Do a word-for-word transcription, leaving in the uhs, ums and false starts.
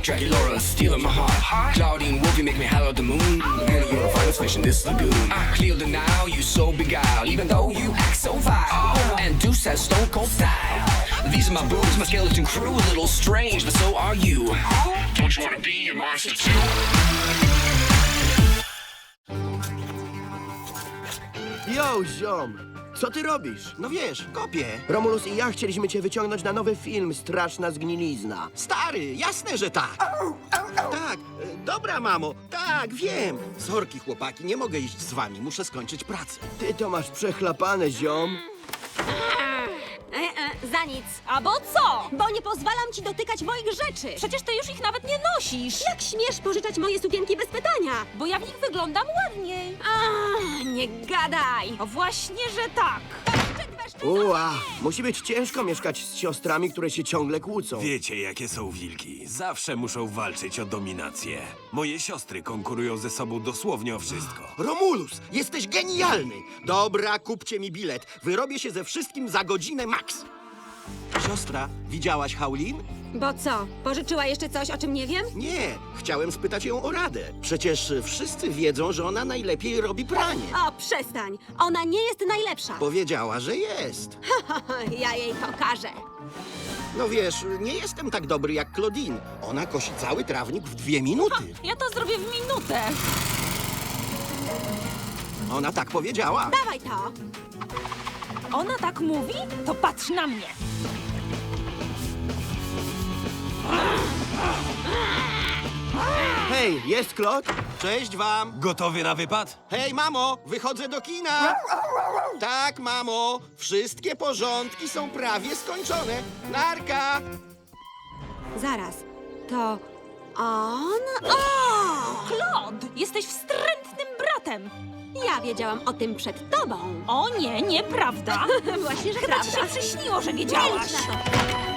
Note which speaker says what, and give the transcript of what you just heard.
Speaker 1: Dracula stealing my heart. Claudine Wolfie make me holler at the moon. And you're a finest fish in this lagoon. I clear the now, you so beguiled, even though you act so vile. And Deuce has stone cold style. These are my boobs, my skeleton crew, a little strange, but so are you. Don't you wanna be a monster too?
Speaker 2: Yo, ziom! Co ty robisz?
Speaker 3: No wiesz, kopię.
Speaker 2: Romulus i ja chcieliśmy cię wyciągnąć na nowy film Straszna zgnilizna.
Speaker 3: Stary, jasne, że tak. Tak, e, dobra, mamo. Tak, wiem. Sorki, chłopaki, nie mogę iść z wami. Muszę skończyć pracę.
Speaker 2: Ty to masz przechlapane, ziom.
Speaker 4: E, e, za nic.
Speaker 5: Albo co?
Speaker 4: Bo nie pozwalam ci dotykać moich rzeczy.
Speaker 5: Przecież ty już ich nawet nie nosisz.
Speaker 4: Jak śmiesz pożyczać moje sukienki bez pytania?
Speaker 5: Bo ja w nich wyglądam ładniej.
Speaker 4: Ach, nie gadaj.
Speaker 5: O właśnie, że tak.
Speaker 2: Ua, musi być ciężko mieszkać z siostrami, które się ciągle kłócą.
Speaker 6: Wiecie, jakie są wilki. Zawsze muszą walczyć o dominację. Moje siostry konkurują ze sobą dosłownie o wszystko.
Speaker 3: Romulus, jesteś genialny. Dobra, kupcie mi bilet. Wyrobię się ze wszystkim za godzinę max. Siostra, widziałaś Haulin?
Speaker 4: Bo co? Pożyczyła jeszcze coś, o czym nie wiem?
Speaker 3: Nie, chciałem spytać ją o radę. Przecież wszyscy wiedzą, że ona najlepiej robi pranie.
Speaker 4: O, przestań. Ona nie jest najlepsza.
Speaker 3: Powiedziała, że jest.
Speaker 4: Ja jej pokażę.
Speaker 3: No wiesz, nie jestem tak dobry jak Claudine. Ona kosi cały trawnik w dwie minuty.
Speaker 5: Ja to zrobię w minutę.
Speaker 3: Ona tak powiedziała.
Speaker 4: Dawaj to.
Speaker 5: Ona tak mówi? To patrz na mnie.
Speaker 2: Hej, jest Klot?
Speaker 3: Cześć wam.
Speaker 6: Gotowy na wypad?
Speaker 3: Hej, mamo, wychodzę do kina. Tak, mamo, wszystkie porządki są prawie skończone. Narka!
Speaker 4: Zaraz. To on? O!
Speaker 5: Claude, jesteś wstrętnym bratem.
Speaker 4: Ja wiedziałam o tym przed tobą.
Speaker 5: O nie, nieprawda.
Speaker 4: Właśnie, że
Speaker 5: Chyba ci
Speaker 4: prawda.
Speaker 5: się przyśniło, że wiedziałaś.
Speaker 4: Milcz na to.